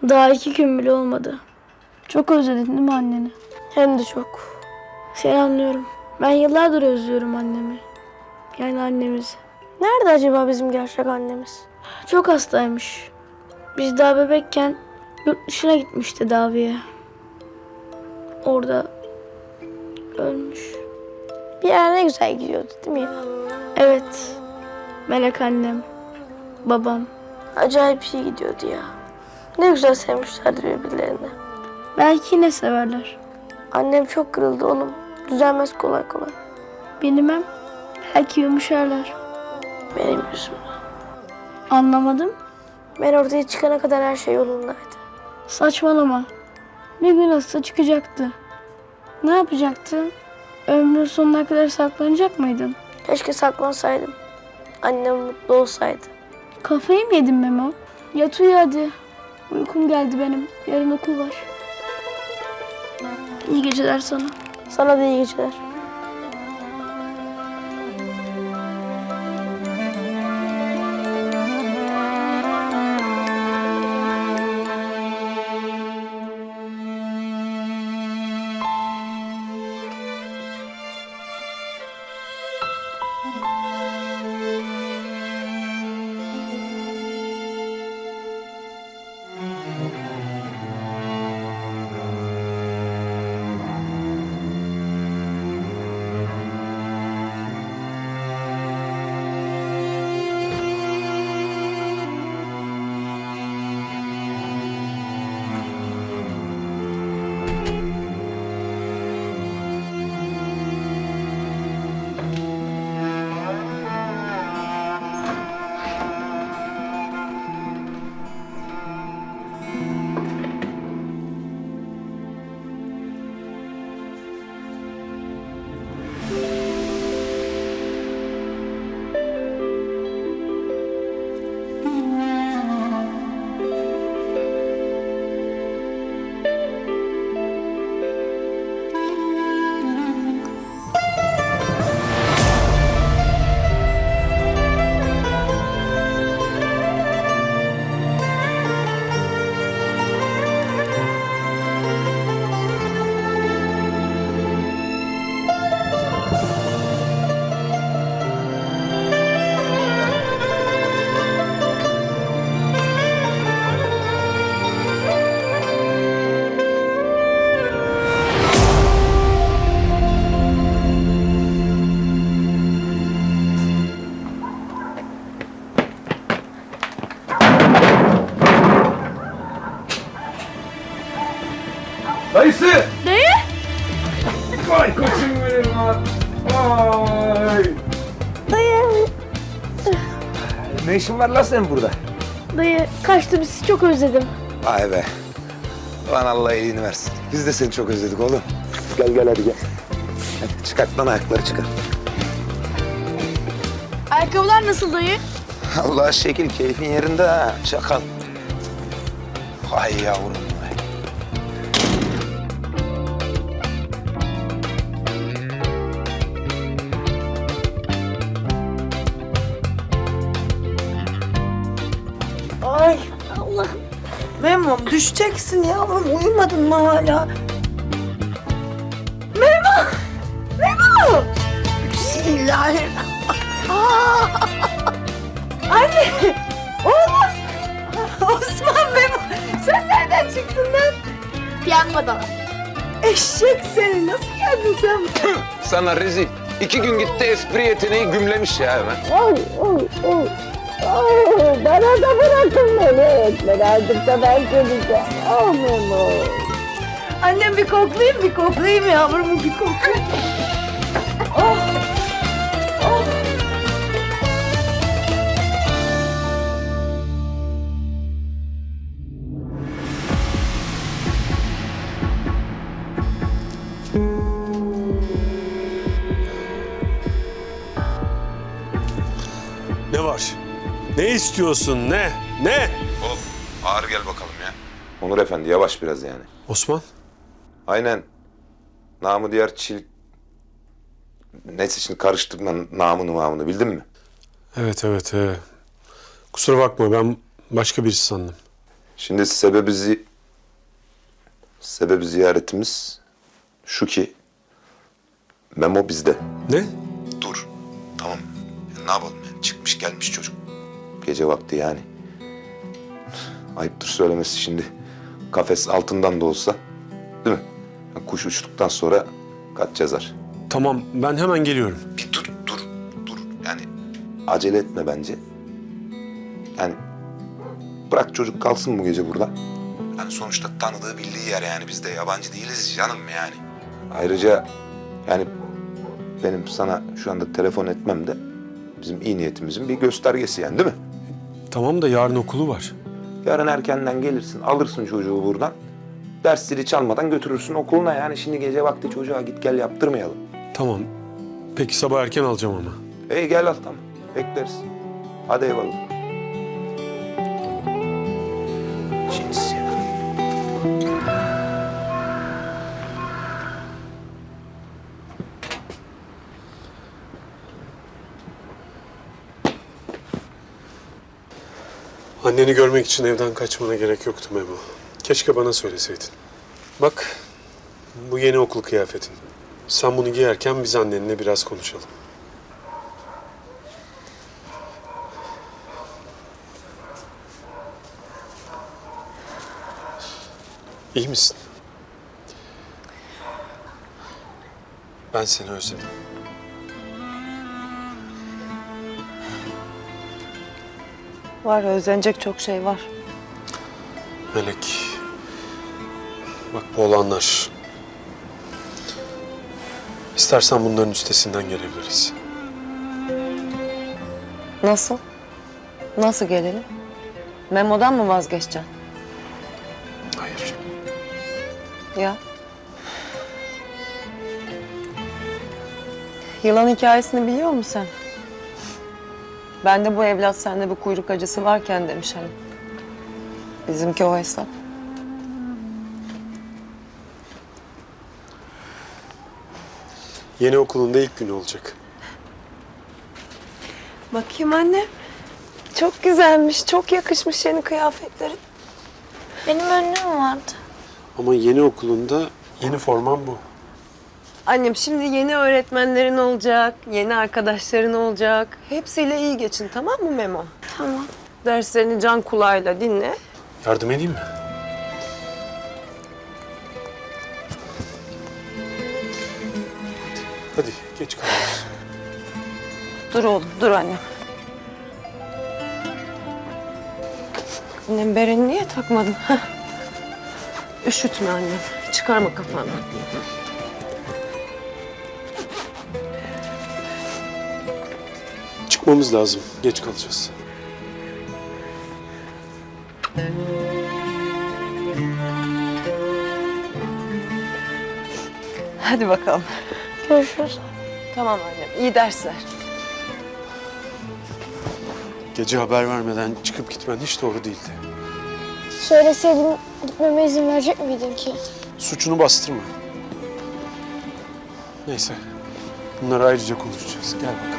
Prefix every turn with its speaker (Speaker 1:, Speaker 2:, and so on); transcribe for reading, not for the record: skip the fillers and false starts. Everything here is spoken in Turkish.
Speaker 1: Daha 2 gün bile olmadı. Çok özledin değil mi anneni? Hem de çok. Seni anlıyorum. Ben yıllardır özlüyorum annemi. Yani annemizi. Nerede acaba bizim gerçek annemiz? Çok hastaymış. Biz daha bebekken yurt dışına gitmiş tedaviye. Orada ölmüş. Bir yer ne güzel gidiyordu değil mi ya? Evet. Melek annem, babam. Acayip iyi gidiyordu ya. Ne güzel sevmişlerdi birbirlerini. Belki yine severler. Annem çok kırıldı oğlum. Düzelmez kolay kolay. Bilmem. Belki yumuşarlar. Benim yüzümden. Anlamadım. Ben ortaya çıkana kadar her şey yolundaydı. Saçmalama. Bir gün hasta çıkacaktı. Ne yapacaktın? Ömrün sonuna kadar saklanacak mıydın? Keşke saklansaydım. Annem mutlu olsaydı. Kafayı mı yedin Memo? Yat uyu hadi. Uykum geldi benim. Yarın okul var. İyi geceler sana. Sana da iyi geceler.
Speaker 2: Dayısı!
Speaker 1: Dayı!
Speaker 2: Vay koçum benim lan! Vay!
Speaker 1: Dayı!
Speaker 2: Ne işin var lan senin burada?
Speaker 1: Dayı kaçtım, sizi çok özledim.
Speaker 2: Vay be! Lan Allah iyiliğini versin. Biz de seni çok özledik oğlum. Gel gel hadi gel. Hadi çıkart lan ayakları çıkar.
Speaker 1: Ayakkabılar nasıl dayı?
Speaker 2: Allah şekil keyfin yerinde ha çakal. Vay yavrum vay.
Speaker 3: Ay Allah'ım. Memom düşeceksin yavrum. Uyumadın mı hala? Memo! Memo! Bismillahirrahmanirrahim. Anne! Oğlum! Osman Memo! Sen nereden çıktın lan?
Speaker 1: Piyangoda.
Speaker 3: Eşek seni. Nasıl geldin sen?
Speaker 2: Sana rezil. 2 gün gitti espri yeteneği gümlemiş ya hemen.
Speaker 3: Oy oy oy. Oy, bana da bırakın beni. Birazcık da ben geleceğim. Oh Memo. Annem bir koklayayım yavrum bir koklayayım. Oh. Oh.
Speaker 4: Ne var? Ne istiyorsun? Ne? Ne?
Speaker 2: Of ağır gel bakalım ya. Onur Efendi yavaş biraz yani.
Speaker 4: Osman?
Speaker 2: Aynen. Namı diğer çil... Neyse şimdi karıştırma namını bildin mi?
Speaker 4: Evet. Kusura bakma ben başka birisi sandım.
Speaker 2: Şimdi sebebi ziyaretimiz şu ki Memo bizde.
Speaker 4: Ne?
Speaker 2: Dur. Tamam. Ya ne yapalım yani? Çıkmış gelmiş çocuk. Gece vakti yani. Ayıptır söylemesi şimdi. Kafes altından da olsa. Değil mi? Ya kuş uçtuktan sonra kaç yazar.
Speaker 4: Tamam, ben hemen geliyorum.
Speaker 2: Bir dur. Yani acele etme bence. Yani bırak çocuk kalsın bu gece burada. Yani sonuçta tanıdığı bildiği yer yani, biz de yabancı değiliz canım yani. Ayrıca yani benim sana şu anda telefon etmem de bizim iyi niyetimizin bir göstergesi yani, değil mi?
Speaker 4: Tamam da yarın okulu var.
Speaker 2: Yarın erkenden gelirsin, alırsın çocuğu buradan. Ders zili çalmadan götürürsün okuluna yani. Şimdi gece vakti çocuğa git gel yaptırmayalım.
Speaker 4: Tamam. Peki sabah erken alacağım ama.
Speaker 2: Gel al, tamam. Bekleriz. Hadi eyvallah. Cins ya.
Speaker 4: Anneni görmek için evden kaçmana gerek yoktu Memo. Keşke bana söyleseydin. Bak, bu yeni okul kıyafetin. Sen bunu giyerken biz annenle biraz konuşalım. İyi misin? Ben seni özledim.
Speaker 3: Var, özlenecek çok şey var.
Speaker 4: Melek, bak bu olanlar. İstersen bunların üstesinden gelebiliriz.
Speaker 3: Nasıl? Nasıl gelelim? Memo'dan mı vazgeçeceksin?
Speaker 4: Hayır.
Speaker 3: Ya. Yılan hikayesini biliyor musun sen? Ben de bu evlat sende bu kuyruk acısı varken demiş hani. Bizimki o hesap.
Speaker 4: Yeni okulunda ilk günü olacak.
Speaker 3: Bakayım anne. Çok güzelmiş, çok yakışmış yeni kıyafetlerin.
Speaker 1: Benim önlüğüm vardı.
Speaker 4: Ama yeni okulunda yeni forman bu.
Speaker 3: Annem şimdi yeni öğretmenlerin olacak, yeni arkadaşların olacak. Hepsiyle iyi geçin, tamam mı Memo?
Speaker 1: Tamam.
Speaker 3: Derslerini can kulağıyla dinle.
Speaker 4: Yardım edeyim mi? Hadi geç kalıyoruz.
Speaker 3: Dur oğlum, dur annem. Annem bereni niye takmadın? Heh. Üşütme annem, çıkarma kafanı.
Speaker 4: Çıkmamız lazım. Geç kalacağız.
Speaker 3: Hadi bakalım.
Speaker 1: Görüşürüz.
Speaker 3: Tamam annem, iyi dersler.
Speaker 4: Gece haber vermeden çıkıp gitmen hiç doğru değildi.
Speaker 1: Söyleseydim gitmeme izin verecek miydin ki?
Speaker 4: Suçunu bastırma. Neyse. Bunları ayrıca konuşacağız. Gel bakalım.